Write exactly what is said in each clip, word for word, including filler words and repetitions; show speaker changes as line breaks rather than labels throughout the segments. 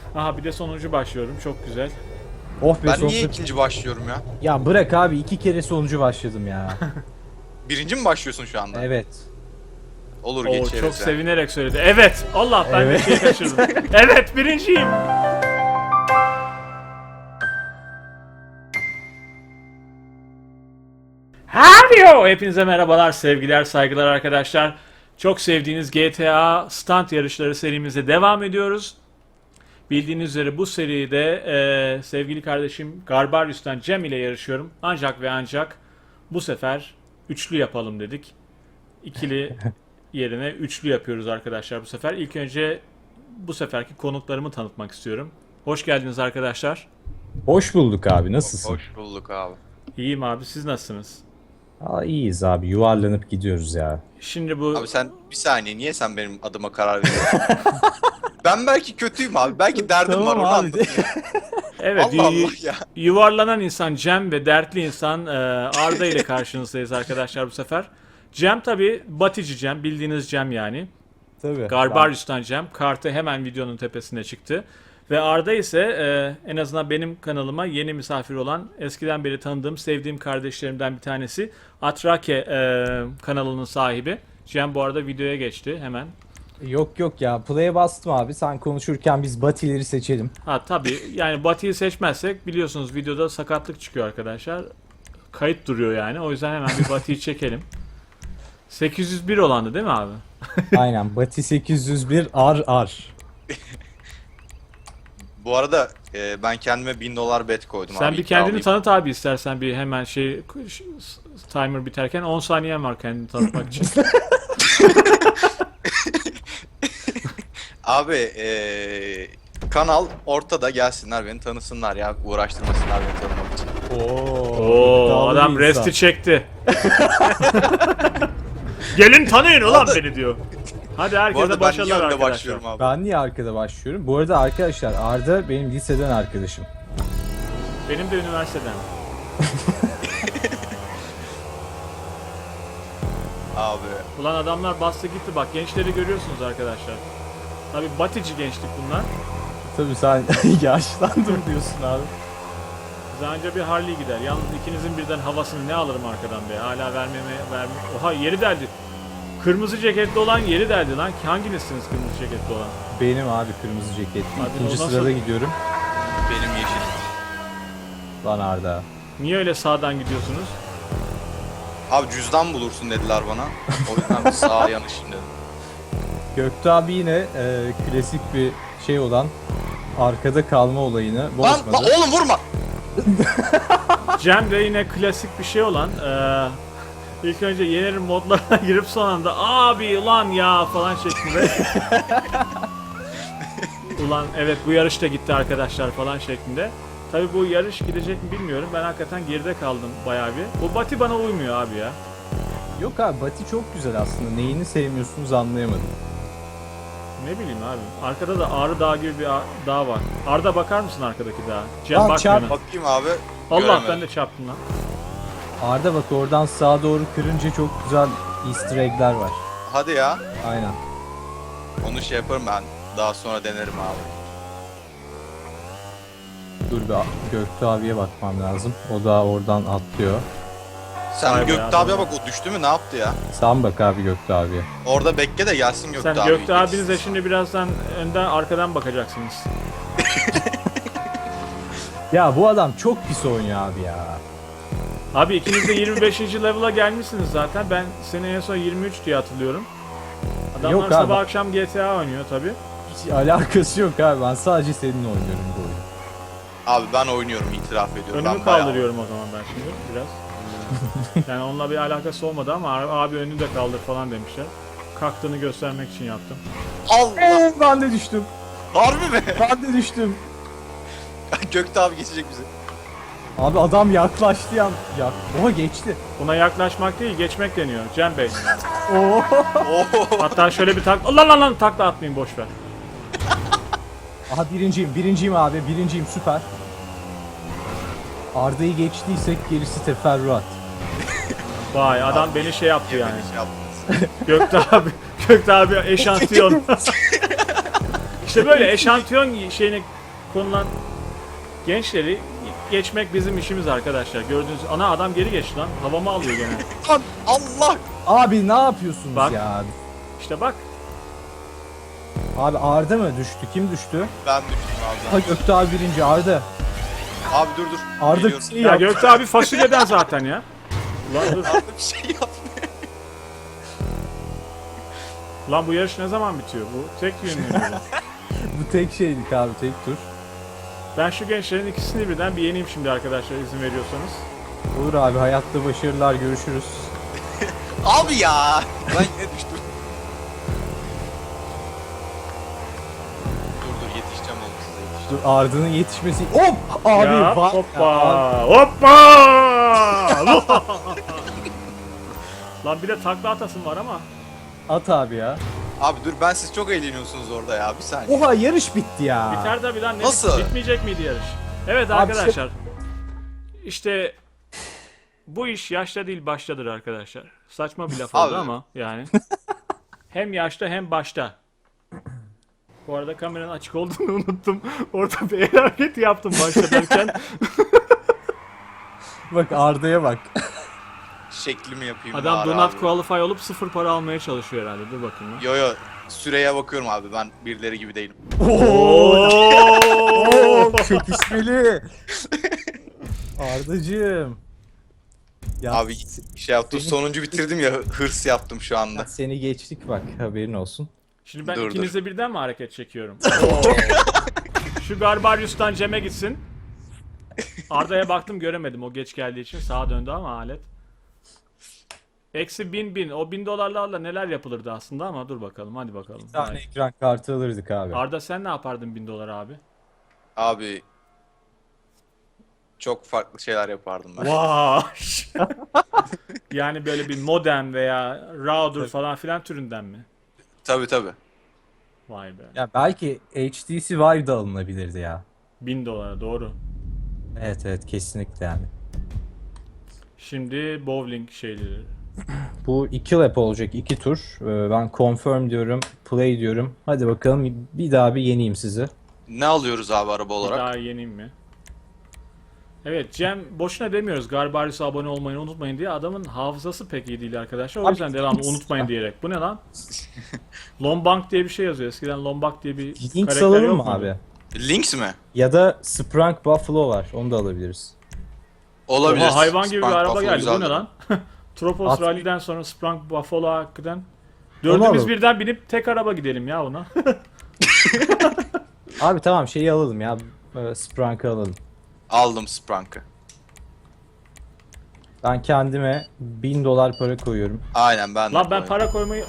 Aha bir de sonuncu başlıyorum. Çok güzel.
Oh be
Ben
sonunda-
niye ikinci başlıyorum ya?
Ya bırak abi iki kere sonucu başladım ya.
Birinci mi başlıyorsun şu anda?
Evet.
Olur
Oo,
geçeriz
çok
yani.
sevinerek söyledi. Evet. Allah ben
Evet.
bir şey kaçırdım. Evet birinciyim. Hello! Hepinize merhabalar, sevgiler, saygılar arkadaşlar. Çok sevdiğiniz G T A Stunt yarışları serimize devam ediyoruz. Bildiğiniz üzere bu seride e, sevgili kardeşim Garbarius'tan Cem ile yarışıyorum. Ancak ve ancak bu sefer üçlü yapalım dedik. İkili yerine üçlü yapıyoruz arkadaşlar bu sefer. İlk önce bu seferki konuklarımı tanıtmak istiyorum. Hoş geldiniz arkadaşlar.
Hoş bulduk abi, nasılsın?
Hoş bulduk abi.
İyiyim abi, siz nasılsınız?
Aa, iyiyiz abi, yuvarlanıp gidiyoruz ya.
Şimdi bu
Abi sen bir saniye niye sen benim adıma karar veriyorsun? Ben belki kötüyüm abi. Belki derdim
Tamam
var onu
abi.
anlatayım.
evet
Allah Allah
yu-
ya.
yuvarlanan insan Cem ve dertli insan e, Arda ile karşınızdayız arkadaşlar bu sefer. Cem tabi Batici Cem, bildiğiniz Cem yani.
Tabii.
Garbarius'tan Cem. Kartı hemen videonun tepesine çıktı. Ve Arda ise e, en azından benim kanalıma yeni misafir olan, eskiden beri tanıdığım, sevdiğim kardeşlerimden bir tanesi. Atrake e, kanalının sahibi. Cem bu arada videoya geçti hemen.
Yok yok ya, play'e bastım abi, sen konuşurken biz batileri seçelim.
Ha tabii yani Batı'yı seçmezsek biliyorsunuz videoda sakatlık çıkıyor arkadaşlar. Kayıt duruyor yani. O yüzden hemen bir Batı'yı çekelim. sekiz yüz bir olandı değil mi abi?
Aynen, Bati sekiz yüz bir R R.
Bu arada e, ben kendime bin dolar bet koydum
Sen
abi.
bir kendini
iddialıyım.
tanıt abi istersen bir hemen şey ş- timer biterken on saniyen var kendini tanıtmak için.
Abi e, kanal ortada, gelsinler beni tanısınlar ya. Uğraştırmasınlar beni tanımak için.
Oo,
Oo
iddialı
adam
bir insan.
resti çekti. Gelin tanıyın ulan
Arada-
beni diyor. Hadi
Bu
herkese
arada ben niye
başarılar
önde
arkadaşlar.
başlıyorum abi?
Ben niye arkada başlıyorum? Bu arada arkadaşlar, Arda benim liseden arkadaşım.
Benim de üniversiteden.
Abi.
Ulan adamlar bastı gitti bak, gençleri görüyorsunuz arkadaşlar. Tabi Batici gençlik bunlar.
Tabii sen yaşlandım diyorsun abi.
Bize anca bir Harley gider. Yalnız ikinizin birden havasını ne alırım arkadan be. Hala vermeme verme. Oha yeri deldi. Kırmızı ceketli olan yeri deldi lan. Hanginizsiniz kırmızı ceketli olan?
Benim abi kırmızı ceketli.
Abi
İkinci
o nasıl-
sırada gidiyorum.
Benim yeşil.
Lan Arda.
Niye öyle sağdan gidiyorsunuz?
Abi cüzdan bulursun dediler bana. O yüzden sağa yanışım dedim.
Göktuğ abi yine e, klasik bir şey olan arkada kalma olayını
Lan,
bozmadı.
lan oğlum vurma.
Cem de yine klasik bir şey olan eee ilk önce yenerim modlarına girip son anda abi ulan ya falan şeklinde. Ulan evet bu yarış da gitti arkadaşlar falan şeklinde. Tabi bu yarış gidecek mi bilmiyorum. Ben hakikaten geride kaldım bayağı bir. Bu Bati bana uymuyor abi ya.
Yok abi, Bati çok güzel aslında. Neyini sevmiyorsunuz anlayamadım.
Ne bileyim abi. Arkada da Ağrı Dağı gibi bir a- dağ var. Arda bakar mısın arkadaki dağa? Cem
Aa,
bakmıyor.
çarp-
lan.
Bakayım abi.
Allah
göremedim.
ben de çarptım lan.
Arda bak, oradan sağa doğru kırınca çok güzel easter egg'ler var.
Hadi ya.
Aynen.
Onu şey yaparım ben. Daha sonra denerim abi.
Dur bir Göktuğ abiye bakmam lazım. O da oradan atlıyor.
Sen
Vay be
Göktuğ
adam
abiye
ya.
bak, o düştü mü ne yaptı ya?
Sen bak abi Göktuğ abiye.
Orada bekle de gelsin Göktuğ
Sen
abi.
Göktuğ abinize şimdi birazdan önden arkadan bakacaksınız.
Ya bu adam çok pis oynuyor abi ya.
Abi ikiniz de yirmi beşinci level'a gelmişsiniz zaten. Ben seni en son yirmi üç diye hatırlıyorum. Adamlar
Yok abi.
sabah akşam G T A oynuyor tabi.
Hiç alakası yok abi. Ben sadece seninle oynuyorum bu oyunu.
Abi ben oynuyorum, itiraf ediyorum.
Önümü
ben bayağı-
kaldırıyorum o zaman ben şimdi biraz. Yani onunla bir alakası olmadı ama abi önünü de kaldır falan demişler. Kalktığını göstermek için yaptım.
Allah!
Eee ben de düştüm.
Harbi mi?
Ben de düştüm.
Göktuğ abi geçecek bizi.
Abi adam yaklaştı ya. Ya oha geçti.
Buna yaklaşmak değil geçmek deniyor Cem Bey.
Oo.
Oo!
Hatta şöyle bir tak... Lan lan lan takla atmayayım boş ver.
Aha birinciyim. Birinciyim abi. Birinciyim, süper. Arda'yı geçtiysek gerisi teferruat.
Vay adam beni şey yaptı
Niye
yani.
beni şey yaptınız?
Gökte abi, Gökte abi eşantiyon. İşte böyle eşantiyon şeyini konulan gençleri geçmek bizim işimiz arkadaşlar. Gördüğünüz ana adam geri geçti lan. Havamı alıyor gene.
Lan Allah!
Abi ne yapıyorsunuz
Bak.
ya?
İşte bak.
Abi Arda mı düştü? Kim düştü?
Ben düştüm abi.
Ha Göktuğ abi birinci Arda.
Abi dur dur.
Arda bir
Geliyorum.
şey
Ya
yap.
Göktuğ abi fasulyeden zaten ya. Lan, dur.
Arda bir şey yapmıyor.
Lan bu yarış ne zaman bitiyor? Bu tek yönlü mü?
Bu tek şeydik abi, tek tur.
Ben şu gençlerin ikisini birden bir yeneyim şimdi arkadaşlar, izin veriyorsanız.
Olur abi, hayatta başarılar, görüşürüz.
Abi ya! Ben yine düştüm. Dur dur yetişeceğim oğlum size yetişeceğim.
Dur, Arda'nın yetişmesi. Hop! Abi
Ya,
bak.
hoppa! Hoppa! Lan bir de takla atasım var ama.
At abi ya.
Abi dur ben siz çok eğleniyorsunuz orada ya bir saniye.
Oha, yarış bitti ya.
Biter tabi lan, ne
Nasıl?
bitmeyecek miydi yarış? Evet
Abi
arkadaşlar. İşte bu iş yaşta değil baştadır arkadaşlar. Saçma bir laf oldu
Abi.
ama yani. Hem yaşta hem başta. Bu arada kameranın açık olduğunu unuttum. Orada bir el hareketi yaptım başta derken.
Bak Arda'ya bak.
Şeklimi yapayım
Adam
bari
do not
abi.
qualify olup sıfır para almaya çalışıyor herhalde. Dur bakayım ya.
Yo yo süreye bakıyorum abi ben birileri gibi değilim.
Oo, çekişmeli. Ardacığım. Ya
Abi şey yaptım sonuncu bitirdim ya hırs yaptım şu anda.
seni geçtik bak, haberin olsun.
Şimdi ben
Dur, dur.
ikinize birden mi hareket çekiyorum? Şu Garbarius'tan Cem'e gitsin. Arda'ya baktım göremedim o geç geldiği için, sağa döndü ama alet. Eksi bin bin. O bin dolarlarla neler yapılırdı aslında ama dur bakalım, hadi bakalım.
Bir tane
Hadi.
ekran kartı alırdık abi.
Arda sen ne yapardın bin dolar abi?
Abi çok farklı şeyler yapardım ben.
Vay. Yani böyle bir modem veya router falan filan türünden mi?
Tabi tabi.
Vay be.
Ya belki H T C Vive da alınabilirdi ya.
bin dolara doğru.
Evet evet, kesinlikle yani.
Şimdi bowling şeyleri.
Bu iki lap olacak, iki tur. Ee, Ben confirm diyorum, play diyorum. Hadi bakalım, bir daha bir yeneyim sizi.
Ne alıyoruz abi araba
Bir
olarak?
daha yeneyim mi? Evet Cem, boşuna demiyoruz Garbarius'a abone olmayı unutmayın diye, adamın hafızası pek iyi değil arkadaşlar. O
Abi,
yüzden devamlı unutmayın diyerek. Bu ne lan? Lombank diye bir şey yazıyor. Eskiden Lombak diye bir
Link
karakter
alalım
yok
mı
muydu?
abi?
Lynx mi?
Ya da Sprunk Buffalo var, onu da alabiliriz.
Olabilir.
Oha, hayvan gibi bir
Spank
araba
Buffalo
geldi. Bu ne
güzeldi.
lan? Tropos
At-
Rally'den sonra Sprunk Buffalo hakikaten.
Onu
Dördümüz
alalım.
birden binip tek araba gidelim ya ona.
Abi tamam, şeyi alalım ya, e, Sprunk'ı alalım.
Aldım Sprank'ı.
Ben kendime bin dolar para koyuyorum.
Aynen ben de
Lan ben
koyayım.
para koymayı...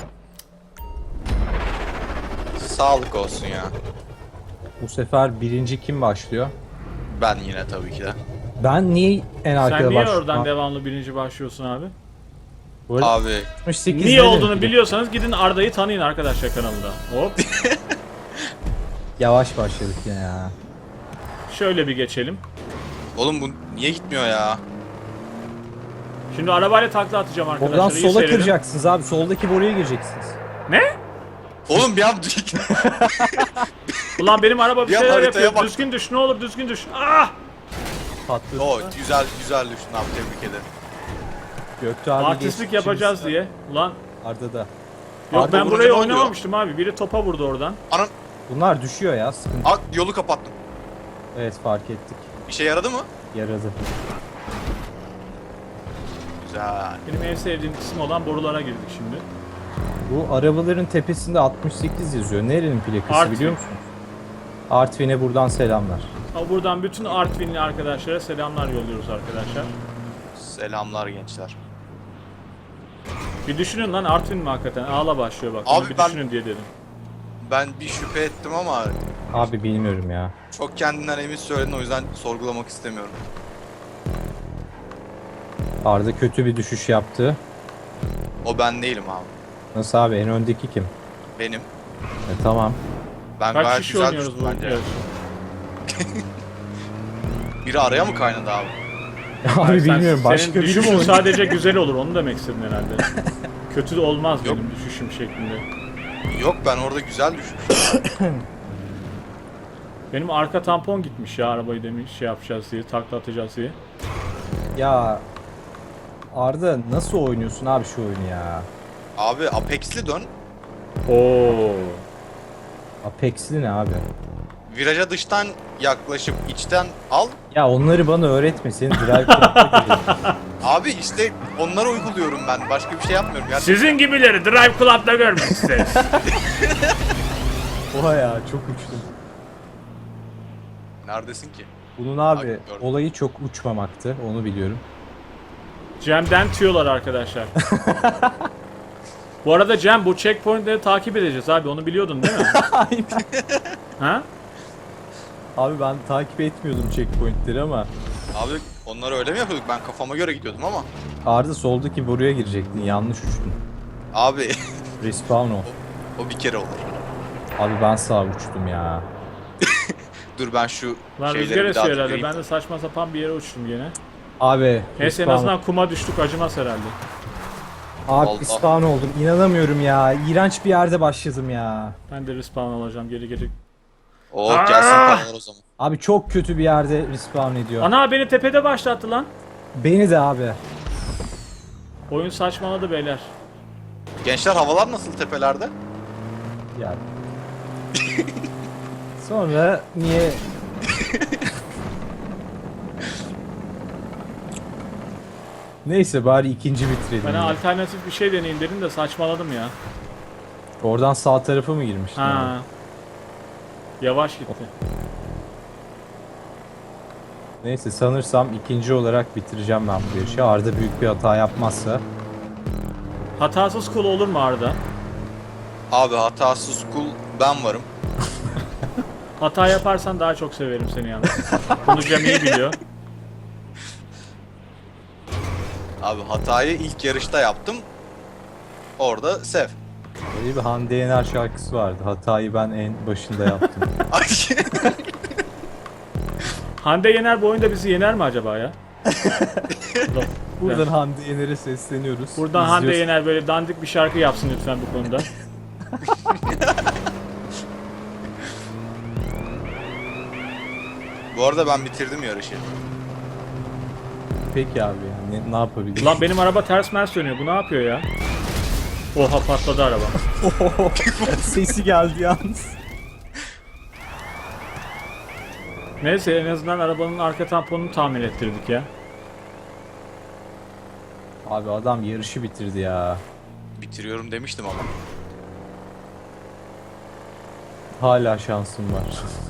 Sağlık olsun ya.
Bu sefer birinci kim başlıyor?
Ben yine tabii ki de.
Ben niye en arkada
Sen niye
başlıyorum?
oradan devamlı birinci başlıyorsun abi?
Bu arada
Abi
altmış sekiz
Niye
dedim
olduğunu
ki.
biliyorsanız gidin Arda'yı tanıyın arkadaşlar kanalında. Hop.
Yavaş başladık yine ya.
Şöyle bir geçelim.
oğlum bu niye gitmiyor ya?
Şimdi arabayla takla atacağım arkadaşlar.
Oradan
iyi
sola
seyredin.
kıracaksınız abi. Soldaki boruya gireceksiniz.
Ne?
Oğlum bir an
Ulan benim araba bir
Bir an
şeyler
haritaya
yapıyor.
bak.
Düzgün düş, ne olur düzgün düş. Ah!
Patladı.
O güzel güzel düştün abi tebrik ederim.
Göktuğ abi
Artistlik
geçti,
yapacağız
şimdi
diye. Ulan
Arda'da.
yok
Arda
ben
vurunca
burayı
ne oluyor?
oynamamıştım abi. Biri topa vurdu oradan.
Anam
Bunlar düşüyor ya, sıkıntı.
at yolu kapattım.
Evet, fark ettik.
İşe yaradı mı?
Yaradı.
Güzel.
Benim en sevdiğim kısım olan borulara girdik şimdi.
Bu arabaların tepesinde altmış sekiz yazıyor. Nerenin plakası
Artvin.
biliyor musunuz? Artvin'e buradan selamlar.
Ama buradan bütün Artvinli arkadaşlara selamlar yolluyoruz arkadaşlar.
Selamlar gençler.
Bir düşünün lan, Artvin mi hakikaten? Ağla başlıyor bak.
Abi
Onu bir
ben-
düşünün diye dedim.
Ben bir şüphe ettim ama
Abi bilmiyorum ya.
çok kendinden emin söyledin o yüzden sorgulamak istemiyorum.
Arda kötü bir düşüş yaptı.
O ben değilim abi.
Nasıl abi, en öndeki kim?
Benim.
E, tamam.
Ben
Kaç
gayet
kişi
güzel
oynuyoruz
düştüm
bu
bence.
yarışı?
Biri araya mı kaynadı abi?
Abi
Hayır, sen-
bilmiyorum, başka
senin
biri mi
düşüşün
oynuyor?
sadece güzel olur, onu demek istedin herhalde. Kötü de olmaz
Yok.
benim düşüşüm şeklinde.
Yok ben orada güzel düşmüşüm.
Benim arka tampon gitmiş ya, arabayı demiş şey yapacağız diye, takla atacağız diye.
Ya Arda nasıl oynuyorsun abi şu oyunu ya?
Abi Apex'li dön.
Oo.
Apex'li ne abi?
Viraja dıştan yaklaşıp içten al.
Ya onları bana öğretme. Senin drive club'da görüyorum.
Abi işte onları uyguluyorum ben. Başka bir şey yapmıyorum. Yani
Sizin gibileri Drive Club'da görmek isteriz.
Oha ya çok uçtum.
neredesin ki?
Bunun
Abi,
abi
gördüm.
olayı çok uçmamaktı. Onu biliyorum.
Cem'den tüyolar arkadaşlar. Bu arada Cem, bu checkpointleri takip edeceğiz abi, onu biliyordun değil mi? Ha?
Abi ben takip etmiyordum checkpointleri ama
Abi onları öyle mi yapıyorduk? Ben kafama göre gidiyordum ama.
Arda soldaki boruya girecektin. Yanlış uçtun.
Abi
Respawn ol.
o bir kere olur.
Abi ben sağa uçtum ya.
Dur ben şu
Lan
şeyleri
rüzgar
bir daha
esiyor herhalde,
dinleyeyim.
ben de saçma sapan bir yere uçtum gene.
Abi
Neyse, en
respawn-
azından kuma düştük, acımaz herhalde.
Abi
Allah.
respawn oldum. İnanamıyorum ya. İğrenç bir yerde başladım ya.
Ben de respawn olacağım geri geri.
Oo gelsin paralar o zaman.
Abi çok kötü bir yerde respawn ediyor.
Ana, beni tepede başlattı lan.
Beni de abi.
Oyun saçmaladı beyler.
Gençler havalar nasıl tepelerde?
Ya. Sonra niye Neyse bari ikinci bitirelim.
Ben
ya.
alternatif bir şey deneyeyim dedim de saçmaladım ya.
Oradan sağ tarafa mı girmiştin? abi?
Ha. Yavaş gitti.
Neyse sanırsam ikinci olarak bitireceğim ben bu yarışı. Arda büyük bir hata yapmazsa.
Hatasız kul olur mu Arda?
Abi hatasız kul ben varım.
Hata yaparsan daha çok severim seni yalnız. Bunu Cem iyi biliyor.
Abi hatayı ilk yarışta yaptım. Orada sev.
Böyle bir Hande Yener şarkısı vardı. Hatayı ben en başında yaptım.
Ay,
Hande Yener bu oyunda bizi yener mi acaba ya? Dur.
Buradan Hande Yener'e sesleniyoruz.
Buradan Hande
İzliyorsa-
Yener böyle dandik bir şarkı yapsın lütfen bu konuda.
Bu arada ben bitirdim yarışı.
Peki abi yani ne, ne yapabiliriz?
Lan benim araba ters mers dönüyor. Bu ne yapıyor ya? Oha, patladı araba.
Sesi geldi yalnız.
Neyse, en azından arabanın arka tamponunu tamir ettirdik ya.
Abi adam yarışı bitirdi ya.
Bitiriyorum demiştim ama.
Hala şansım var.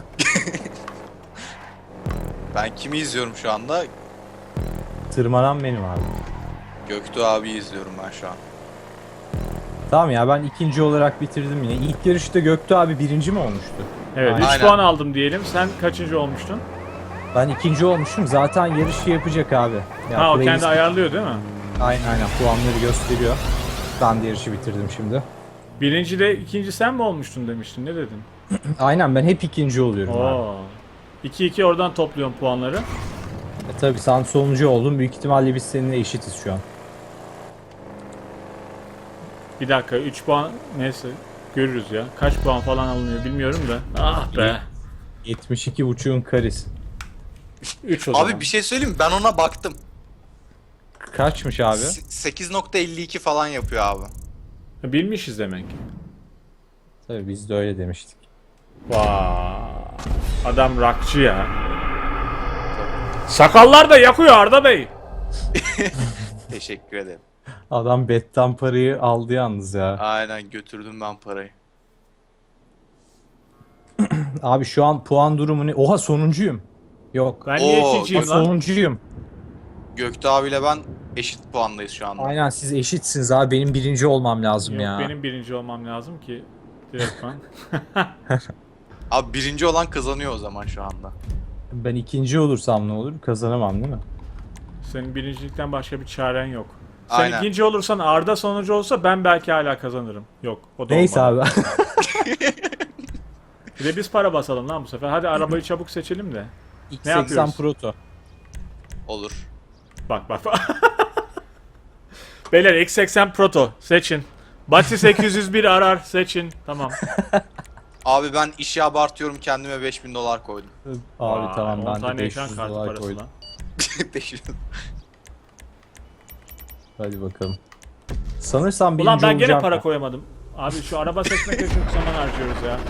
Ben kimi izliyorum şu anda?
Tırmanan benim abi.
Göktuğ abi izliyorum ben şu an.
Tamam ya ben ikinci olarak bitirdim yine. İlk yarışta Göktuğ abi birinci mi olmuştu?
Evet, üç
Aynen.
puan aldım diyelim. Sen kaçıncı olmuştun?
Ben ikinci olmuştum. Zaten yarışı yapacak abi. Ya
Ha, o
playlist-
kendi ayarlıyor değil mi?
Aynen aynen puanları gösteriyor. Ben de yarışı bitirdim şimdi.
Birinci de ikinci sen mi olmuştun demiştin. Ne dedin?
Aynen ben hep ikinci oluyorum abi.
Oo. iki iki oradan topluyorum puanları.
E tabi sen sonuncu oldun. Büyük ihtimalle biz seninle eşitiz şu an.
Bir dakika, üç puan neyse görürüz ya. Kaç puan falan alınıyor bilmiyorum da. Ah be.
yetmiş iki buçuğun karesi.
üç o zaman.
Abi bir şey söyleyeyim mi? Ben ona baktım.
Kaçmış abi?
S- sekiz nokta elli iki falan yapıyor abi.
Bilmişiz demek ki.
Tabii biz de öyle demiştik.
Vay. Adam rockçı ya. Sakallar da yakıyor Arda Bey.
Teşekkür ederim.
Adam betten parayı aldı yalnız ya.
Aynen götürdüm ben parayı.
Abi şu an puan durumu ne? Oha sonuncuyum. Yok.
Ben niye
Oo,
ikinciyim
Bak,
lan?
sonuncuyum.
Göktuğ abiyle ben eşit puandayız şu anda.
Aynen siz eşitsiniz abi. Benim birinci olmam lazım
Yok,
ya.
benim birinci olmam lazım ki. Direktman.
Abi birinci olan kazanıyor o zaman şu anda.
Ben ikinci olursam ne olur? Kazanamam değil mi?
Senin birincilikten başka bir çaren yok. Sen
Aynen.
ikinci olursan, Arda sonuncu olsa ben belki hala kazanırım. Yok, o da
Neyse
olmadı.
abi.
Bir de biz para basalım lan bu sefer. Hadi arabayı çabuk seçelim de.
X
Ne
seksen
yapıyoruz?
Proto.
Olur.
Bak bak bak. Beyler X seksen Proto seçin. Bati sekiz yüz bir arar seçin. Tamam.
Abi ben işi abartıyorum, kendime beş bin dolar koydum.
Abi
Vay,
tamam
on
ben de
tane
beş
ekran
yüz
kartı
dolar
parası
koydum.
lan.
beş bin.
Hadi bakalım. Sanırsam birinci
Ulan ben gene
olacağım
para
ya.
koyamadım. Abi şu araba seçmek için çok zaman harcıyoruz ya.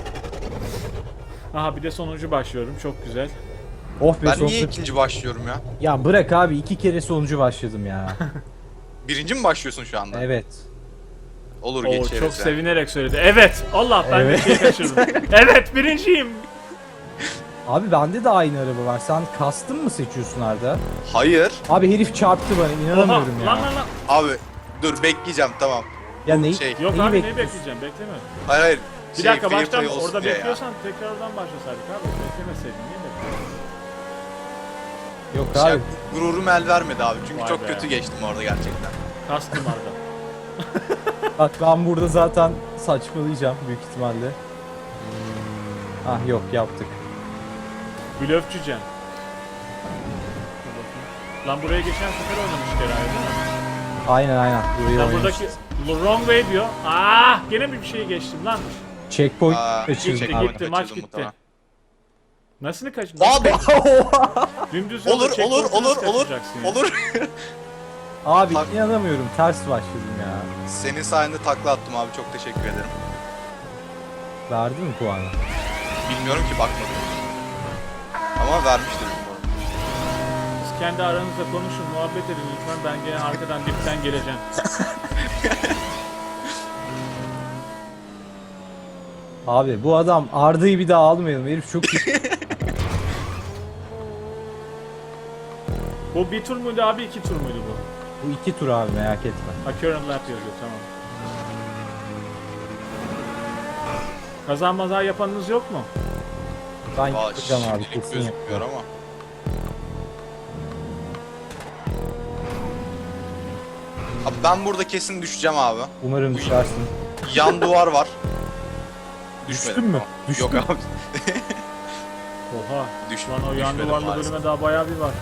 Aha bir de sonuncu başlıyorum. Çok güzel.
Oh be
Ben
sonunda-
niye ikinci başlıyorum ya?
Ya bırak abi iki kere sonucu başladım ya.
Birinci mi başlıyorsun şu anda?
Evet.
Olur
Oo,
geçeriz
çok
ya.
sevinerek söyledi. Evet. Allah ben
Evet.
bir şey kaçırdım. Evet birinciyim.
Abi bende de aynı araba var. Sen custom mı seçiyorsun Arda?
Hayır.
Abi herif çarptı bana
Oha.
inanamıyorum ya.
Lan lan lan.
Abi dur bekleyeceğim tamam.
Ya neyi?
Şey-
Yok
neyi
abi neyi
bekliyorsun?
bekleyeceğim bekleme.
Hayır hayır.
Bir
Şey,
dakika
fair
baştan
play olsun
orada
diye ya.
bekliyorsan tekrardan başlasaydık abi. Beklemeseydin niye bekliyorsun?
Yok
Şey,
abi.
gururum el vermedi abi çünkü
Vay
çok
be.
kötü geçtim orada gerçekten.
Kastım Arda.
Bak ben burada zaten saçmalayacağım büyük ihtimalle. Ah yok yaptık.
Blöfçü Cem. Dur bakayım. Lan buraya geçen sefer oynamıştık herhalde değil mi?
Aynen aynen. Burayı
Lan
oynamışız.
buradaki wrong way diyor. Ah gene bir şey geçtim lan.
Checkpoint
Aa,
kaçırdım
gitti,
abi.
gitti. maç gitti.
muhtemelen.
Nasıl kaç?
Abi
Dümdüz yolda
olur olur
checkpoint'u
olur
nasıl
olur
kaçıracaksın ya?
olur.
Abi
Bak-
inanamıyorum ters başladım ya.
Senin sayende takla attım abi, çok teşekkür ederim.
Verdi mi puanı?
Bilmiyorum ki, bakmadım. Ama vermiştir umarım.
Siz kendi aranızda konuşun, muhabbet edin lütfen. Ben gene arkadan dipten geleceğim.
Abi bu adam Arda'yı bir daha almayalım. Herif çok iyi.
Bu bir tur muydu abi, iki tur muydu bu?
Bu iki tur abi merak etme.
Ha, current lap yazıyor, tamam. Kazan maza yapanınız yok mu?
Ben
Aa,
yapacağım abi
şimdilik
kesin
gözükmüyor
yapacağım.
ama. Abi ben burada kesin düşeceğim abi.
Umarım düşersin.
Yan duvar var.
Düştün
Düşmedim
mü?
ama.
Düştün.
Yok abi.
Oha.
Düş,
Lan o yan
düşmedim
duvarlı
maalesef.
bölüme daha bayağı bir var.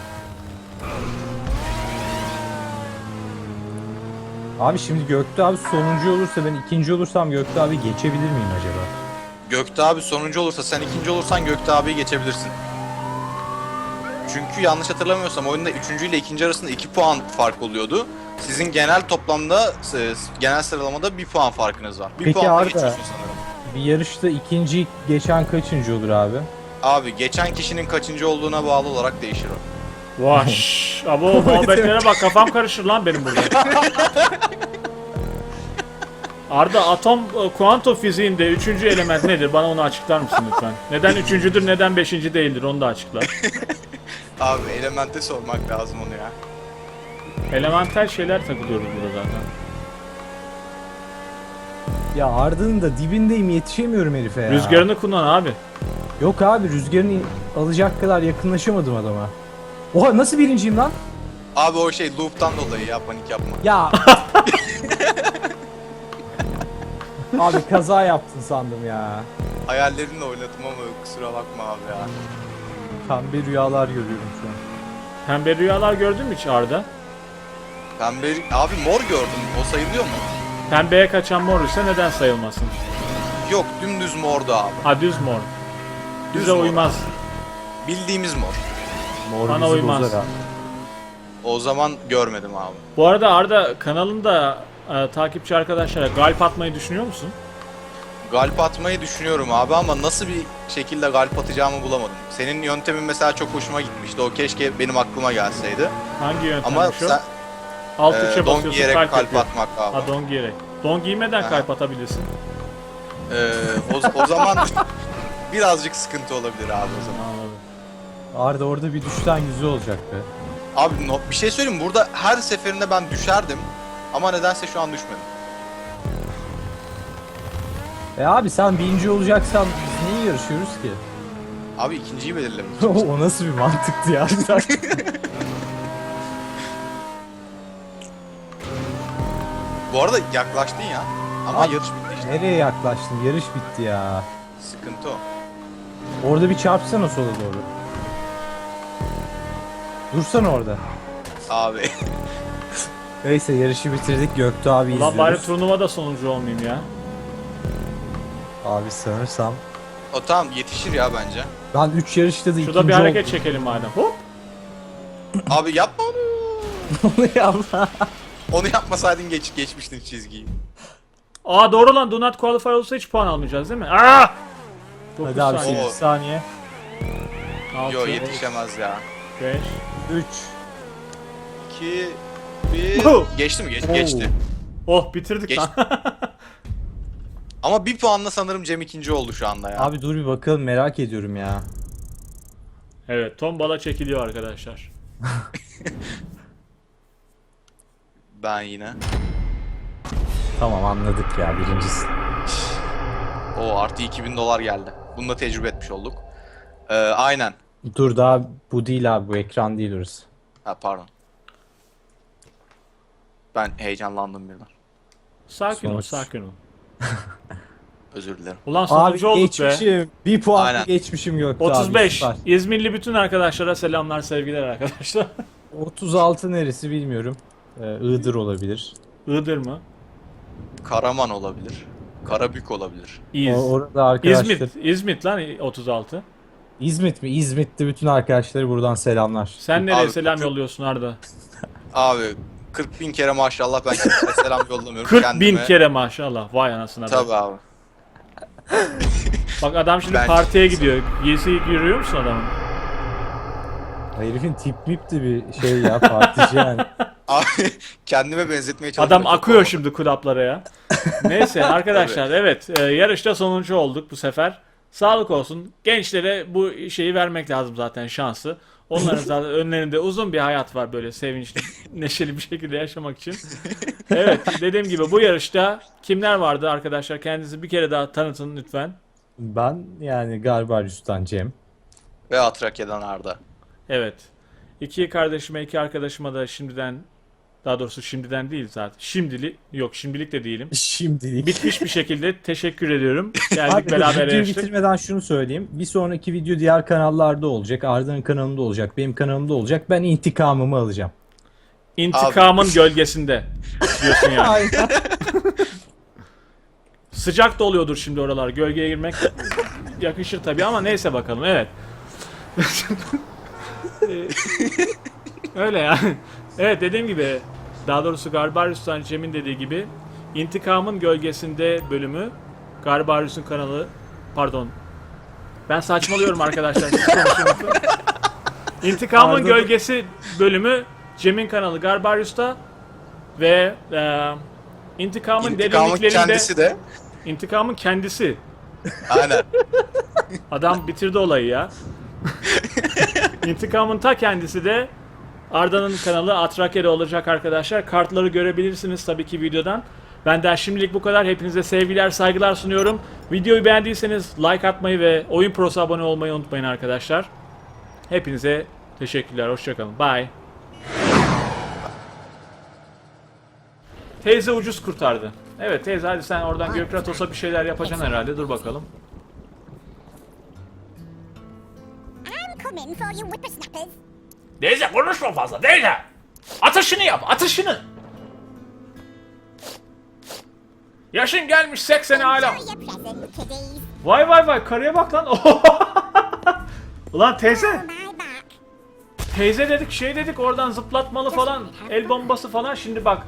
Abi şimdi Göktuğ abi sonuncu olursa ben ikinci olursam Göktuğ abi geçebilir miyim acaba?
Gökte abi sonuncu olursa, sen ikinci olursan Gökte abiyi geçebilirsin. Çünkü yanlış hatırlamıyorsam oyunda üçüncü ile ikinci arasında iki puan fark oluyordu. Sizin genel toplamda, e, genel sıralamada bir puan farkınız var. Bir
Peki
puanla
Arda.
geçiyorsun sanırım.
Bir yarışta ikinci geçen kaçıncı olur abi?
Abi geçen kişinin kaçıncı olduğuna bağlı olarak değişir o.
Vaş. Abo muhabbetlere bak, kafam karışır lan benim burada. Arda, atom e, kuantum fiziğinde üçüncü element nedir? Bana onu açıklar mısın lütfen? Neden üçüncüdür, neden beşinci değildir? Onu da açıkla.
Abi elemente sormak lazım onu ya.
Elemental şeyler takılıyoruz burada zaten.
Ya Arda'nın da dibindeyim yetişemiyorum herife ya.
Rüzgarını kullan abi.
Yok abi rüzgarını alacak kadar yakınlaşamadım adama. Oha nasıl birinciyim lan?
Abi o şey loop'tan dolayı ya, panik yapma.
Ya. Abi kaza yaptın sandım ya.
Hayallerinle oynadım ama kusura bakma abi ya.
Pembe rüyalar görüyorum şu an.
Pembe rüyalar gördün mü hiç Arda?
Pembe, abi mor gördüm, o sayılıyor mu?
Pembeye kaçan mor ise neden sayılmasın?
Yok, dümdüz mordu abi.
Ha, düz mor.
Düz
Düze
mor.
uymaz.
Bildiğimiz mor.
Mor
Bana
bizi
uymaz.
bozar abi.
O zaman görmedim abi.
Bu arada Arda, kanalında e, takipçi arkadaşlara galp atmayı düşünüyor musun?
Galp atmayı düşünüyorum abi ama nasıl bir şekilde galp atacağımı bulamadım. Senin yöntemin mesela çok hoşuma gitmişti. O keşke benim aklıma gelseydi.
Hangi
Ama
yöntemmiş o?
sen
Alt
e,
tuşa
don
basıyorsun,
giyerek
kalp,
kalp
yapıyor.
atmak abi.
Ha, don giyerek. Don giymeden
Aha.
kalp atabilirsin.
E, o, o zaman birazcık sıkıntı olabilir abi o zaman.
Anladım.
Arda orada bir düşten yüzü olacak be.
Abi no, bir şey söyleyeyim mi? Burada her seferinde ben düşerdim. Ama nedense şu an düşmedim.
E abi sen birinci olacaksan biz niye yarışıyoruz ki?
Abi ikinciyi belirlemiş.
O nasıl bir mantıktı ya?
Bu arada yaklaştın ya. Ama
Abi,
yarış bitti işte.
Nereye yaklaştın? Yarış bitti ya.
Sıkıntı o.
Orada bir çarpsana sola doğru. Dursana orada.
Abi.
Neyse yarışı bitirdik Göktuğ abi
Ulan bari
izliyoruz.
turnuvada sonuncu olmayayım ya.
Abi sanırsam.
O tamam yetişir ya bence.
Ben üç yarışta da
Şurada
ikinci
bir hareket
oldum.
çekelim madem. Hop.
Abi yapma onu.
Onu yapma.
Onu yapmasaydın geç geçmiştin çizgiyi.
Aa doğru lan, do not qualify olsa hiç puan almayacağız değil mi? Aa! dokuz
Hadi abi
saniye.
sekiz saniye.
altı,
Yo yetişemez ya.
beş.
üç.
iki bir
Oh.
Geçti mi? Geç,
Oo.
geçti.
Oh bitirdik
Geç-
lan.
Ama bir puanla sanırım Cem ikinci oldu şu anda ya.
Abi dur bir bakalım, merak ediyorum ya.
Evet, tombala çekiliyor arkadaşlar.
Ben yine.
Tamam anladık ya, birincisi.
O artı iki bin dolar geldi. Bunu da tecrübe etmiş olduk. Ee, aynen.
Dur daha bu değil abi, bu ekran değil orası.
Ha pardon. Ben heyecanlandım birden.
Sakin ol,
Sonuç.
sakin ol.
Özür dilerim.
Ulan
Abi
sonuncu olduk be.
geçmişim. Bir puan
Aynen.
geçmişim Gökte abi.
otuz beş.
süper.
İzmirli bütün arkadaşlara selamlar, sevgiler arkadaşlar.
otuz altı neresi bilmiyorum. Ee, Iğdır olabilir.
Iğdır mı?
Karaman olabilir. Karabük olabilir.
İz.
O, orada arkadaşlar.
İzmit. İzmit lan otuz altı.
İzmit mi? İzmit'te bütün arkadaşları buradan selamlar.
Sen nereye
Abi,
selam
kırk-
yolluyorsun Arda?
Abi kırk bin kere maşallah ben kimseye selam yollamıyorum
kırk
kendime.
bin kere maşallah. Vay anasına be.
Tabii abi.
Bak adam şimdi
Ben-
partiye gidiyor. Giysi görüyor musun adamın?
Herifin tip mip de bir şey ya, partici yani.
Abi kendime benzetmeye çalışıyorum.
Adam
Çok
akıyor
olmadı.
şimdi kulaplara ya. Neyse arkadaşlar evet e, yarışta sonuncu olduk bu sefer. Sağlık olsun. Gençlere bu şeyi vermek lazım zaten, şansı. Onların zaten önlerinde uzun bir hayat var böyle sevinçli, neşeli bir şekilde yaşamak için. Evet dediğim gibi bu yarışta kimler vardı arkadaşlar? Kendinizi bir kere daha tanıtın lütfen.
Ben yani Garbarius'tan Cem.
Ve Atrakya'dan Arda.
Evet. İki kardeşime, iki arkadaşıma da şimdiden, daha doğrusu şimdiden değil zaten. Şimdilik, yok şimdilik de değilim.
Şimdilik.
Bitmiş bir şekilde teşekkür ediyorum. Geldik
Abi dur,
beraber
videoyu
yarıştık.
bitirmeden şunu söyleyeyim. Bir sonraki video diğer kanallarda olacak. Arda'nın kanalında olacak. Benim kanalımda olacak. Ben intikamımı alacağım.
İntikamın gölgesinde diyorsun yani.
Aynen.
Sıcak da oluyordur şimdi oralar. Gölgeye girmek yakışır tabii ama neyse bakalım. Evet. Ee, Öyle yani. Evet dediğim gibi, daha doğrusu Garbarius'tan Cem'in dediği gibi İntikamın Gölgesinde bölümü Garbarius'un kanalı, pardon. Ben saçmalıyorum arkadaşlar. Siz konuşun lütfen. İntikamın
Pardon.
Gölgesi bölümü Cem'in kanalı Garbarius'ta ve e, İntikamın
İntikamın
derinliklerinde
kendisi de.
İntikamın kendisi.
Aynen.
Adam bitirdi olayı ya. İntikamın ta kendisi de Arda'nın kanalı Atrakya'da olacak arkadaşlar. Kartları görebilirsiniz tabii ki videodan. Benden şimdilik bu kadar. Hepinize sevgiler, saygılar sunuyorum. Videoyu beğendiyseniz like atmayı ve Oyun Pro'sa abone olmayı unutmayın arkadaşlar. Hepinize teşekkürler. Hoşçakalın. Bye. Teyze ucuz kurtardı. Evet teyze, hadi sen oradan Gökratos'a bir şeyler yapacaksın herhalde. Dur bakalım.
I'm coming for you whippersnappers.
Teyze konuşma fazla teyze. Atışını yap, atışını. Yaşın gelmiş seksene hala.
Enjoy your present, kiddies.
Vay vay vay, karıya bak lan. Ulan teyze.
On my back.
Teyze dedik, şey dedik, oradan zıplatmalı falan, el bombası falan. Şimdi bak.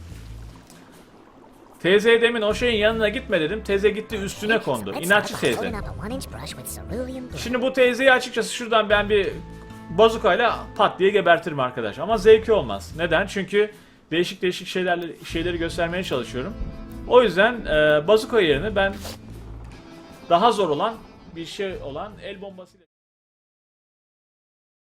Teyzeye demin o şeyin yanına gitme dedim. Teyze gitti üstüne kondu. İnatçı teyze. Şimdi bu teyzeyi açıkçası şuradan ben bir bazukayla pat diye gebertirim arkadaş. Ama zevki olmaz. Neden? Çünkü değişik değişik şeylerle şeyleri göstermeye çalışıyorum. O yüzden e, bazuka yerine ben daha zor olan bir şey olan el bombasıyla